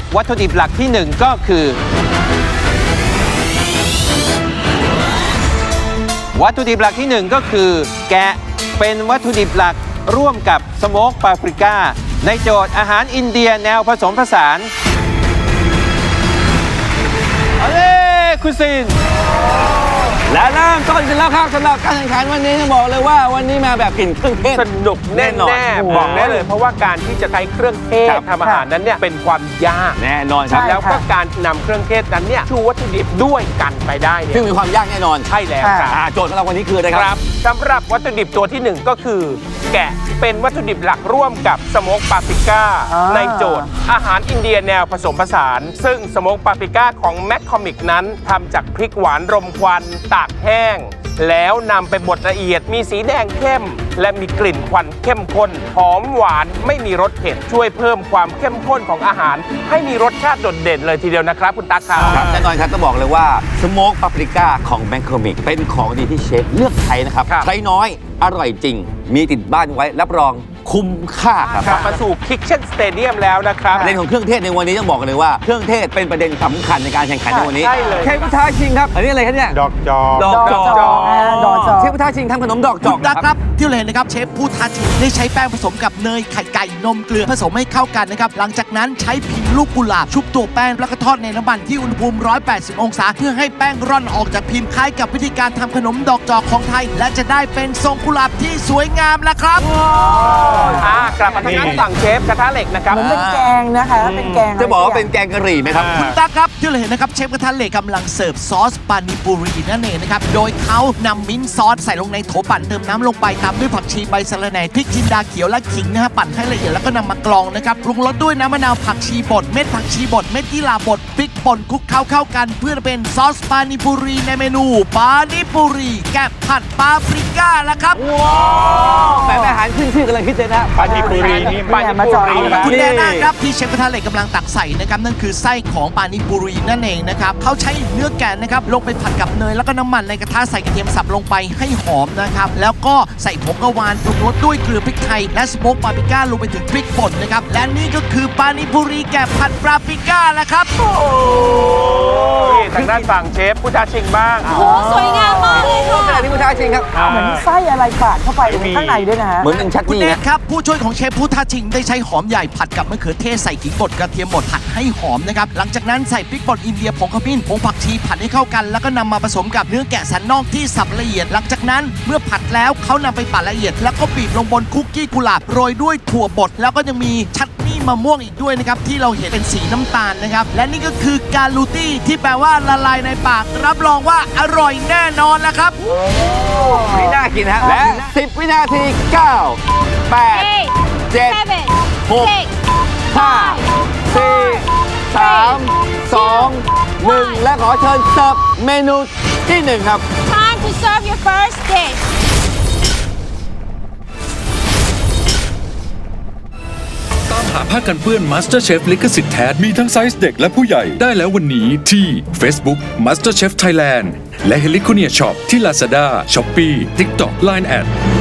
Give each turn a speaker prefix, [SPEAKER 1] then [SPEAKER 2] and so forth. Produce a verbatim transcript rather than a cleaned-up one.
[SPEAKER 1] วัตถุดิบหลักที่หนึ่งก็คือวัตถุดิบหลักที่หนึ่งก็คือแกะเป็นวัตถุดิบหลักร่วมกับสโมกปาปริก้าในโจทย์อาหารอินเดียแนวผสมผสานเอาเลยคุณซิน
[SPEAKER 2] และเริ่มต้นกันแล้วครับสำหรับการแข่งขันวันนี้ต้องบอกเลยว่าวันนี้มาแบบกลิ่นเครื่องเทศ
[SPEAKER 3] สนุกแน่นอนบอกได้เลยเพราะว่าการที่จะใช้เครื่องเทศทำอาหารนั้นเนี่ยเป็นความยาก
[SPEAKER 2] แน่นอนครับ
[SPEAKER 3] แล้วก็การนำเครื่องเทศนั้นเนี่ยชูวัตถุดิบด้วยกันไปได้เนี่ย
[SPEAKER 2] ซึ่งมีความยากแน่นอน
[SPEAKER 3] ใช่แล้วครับ
[SPEAKER 2] โจทย์ของเราวันนี้คืออะไรครับ
[SPEAKER 3] สำหรับวัตถุดิบตัวที่หนึ่งก็คือแกะเป็นวัตถุดิบหลักร่วมกับสโมกปาปริก้าในโจทย์อาหารอินเดียแนวผสมผสานซึ่งสโมกปาปริก้าของแมคคอมิกนั้นทำจากพริกหวานรมควันตากแห้งแล้วนำไปบดละเอียดมีสีแดงเข้มและมีกลิ่นควันเข้มข้นหอมหวานไม่มีรสเผ็ดช่วยเพิ่มความเข้มข้นของอาหารให้มีรสชาติโดดเด่นเลยทีเดียวนะครับคุณตาครับ
[SPEAKER 2] แน่นอนครับต้องบอกเลยว่าสโมกปาปริก้าของแมคคอมิกเป็นของดีที่เชฟเลือกใช้นะครับใช้น้อยอร่อยจริงมีติดบ้านไว้รับรองคุ้มค่าครับ
[SPEAKER 3] กลับมาสู่คิกเช่นสเตเดียมแล้วนะครับ
[SPEAKER 2] ประเด็นของเครื่องเทศในวันนี้ต้องบอกเลยว่าเครื่องเทศเป็นประเด็นสำคัญในการแข่งขันในวันนี้
[SPEAKER 3] ใช่เลย
[SPEAKER 2] เชฟพุทธาชิงครับอันนี้อะไรครับเนี่ย
[SPEAKER 3] ดอกจอก
[SPEAKER 2] ดอกจอก
[SPEAKER 4] ดอกจอก
[SPEAKER 2] เชฟพุทธาชิงทำขนมดอกจอก
[SPEAKER 5] ครับที่เราเห็นนะครับเชฟพุทธาชิงได้ใช้แป้งผสมกับเนยไข่ไก่นมเกลือผสมให้เข้ากันนะครับหลังจากนั้นใช้พิมพ์ลูกกุหลาบชุบตัวแป้งแล้วก็ทอดในน้ำมันที่อุณหภูมิหนึ่งร้อยแปดสิบองศาเพื่อให้แป้งร่อนออกจากพิมพ์คล้ายกับวิธีการทำขนมดอกจอกของไทยและจะได้เป็นทรงกุหลาบที่สวยงามแล้วครับ
[SPEAKER 3] อ่ากลับมาทางด้านฝั่งเชฟกระทะเหล็กนะครับ
[SPEAKER 4] เหมือนเป็นแกงนะคะเป็นแกง
[SPEAKER 2] จะบอกว่าเป็นแกงกะหรี่ไหมครับ
[SPEAKER 5] คุณตาครับที่เราเห็นนะครับเชฟกระทะเหล็กกำลังเสิร์ฟซอสปานิปุรีนั่นเองนะครับโดยเขานำมิ้นท์ซอสใส่ลงในโถปั่นเติมน้ำลงไปตามด้วยผักชีใบสะระแหน่พริกจินดาเขียวและขิงนะฮะปั่นให้ละเอียดแล้วก็นำมากรองนะครับปรุงรสด้วยน้ำมะนาวผักชีบดเม็ดผักชีบดเม็ดยี่หร่าบดพริกป่นคลุกเคล้าเข้ากันเพื่อเป็นซอสปานิปุรีในเมนูปานิปุรีแกะผัดปาปริก้าแล้วครับ
[SPEAKER 2] แปลอาหารขึ้นชื่อกำลังคิดเลยนะ
[SPEAKER 3] ปานิปุรีนี่ปานิปุรี
[SPEAKER 5] คุณแน่นะครับที่เชฟกระทะเหล็กกำลังตักใส่นะครับนั่นคือไส้ของปานิปุรีนั่นเองนะครับเขาใช้เนื้อแกะนะครับลงไปผัดกับเนยแล้วก็น้ำมันในกระทะใส่กระเทียมสับลงไปให้หอมนะครับแล้วก็ใส่ผงกะวานปรุงรสด้วยเกลือพริกไทยและสโมกปาปริก้าลงไปถึงพริกป่นนะครับและนี่ก็คือปานิปุรีแกะผัดปาปริก้าแล้วครับโอ้
[SPEAKER 3] ทางด้านฝั่งเชฟพุทธาชิงบ้าง
[SPEAKER 6] โอ้สวยงามมากเลยค่ะ
[SPEAKER 2] ขณะที่พุทธาชิงครับ
[SPEAKER 4] เหมือนไส้อะไรปาดเข้าไปข้างในด้วยนะฮะ
[SPEAKER 2] เหมือนเป็นชัด
[SPEAKER 5] คุณ
[SPEAKER 2] นี่
[SPEAKER 5] แน
[SPEAKER 2] นะ
[SPEAKER 5] ทครับผู้ช่วยของเชฟพุทธาชิงได้ใช้หอมใหญ่ผัดกับมะเขือเทศใส่ขิงบดกระเทียมบดผัดให้หอมนะครับหลังจากนั้นใส่พริกป่นอินเดียผงขมิ้นผงผักชีผัดให้เข้ากันแล้วก็นำมาผสมกับเนื้อแกะสันนอกที่สับละเอียดหลังจากนั้นเมื่อผัดแล้วเขานำไปปั่นละเอียดแล้วก็บีบลงบนคุกกี้กุหลาบโรยด้วยถั่วบดแล้วก็ยังมีชัตนี่มะม่วงอีกด้วยนะครับที่เราเห็นเป็นสีน้ำตาลนะครับและนี่ก็คือการูตี้ที่แปลว่าละลายในปากรับรองว่าอร่อยแน่นอนแล้วครับ
[SPEAKER 2] นี่น่ากินฮะและสิบวินาทีเก้า แปด เจ็ด หก ห้า สี่ สาม สอง หนึ่งและขอเชิญเสิร์ฟเมนูที่หนึ่งครับ
[SPEAKER 6] Time to serve your first dish
[SPEAKER 7] ตามหาผ้ากันเปื้อน MasterChef ลิขสิทธิ์แท้มีทั้งไซส์เด็กและผู้ใหญ่ได้แล้ววันนี้ที่ Facebook MasterChef Thailand และ Heliconia Shop ที่ Lazada, Shopee, TikTok, ไลน์ แอด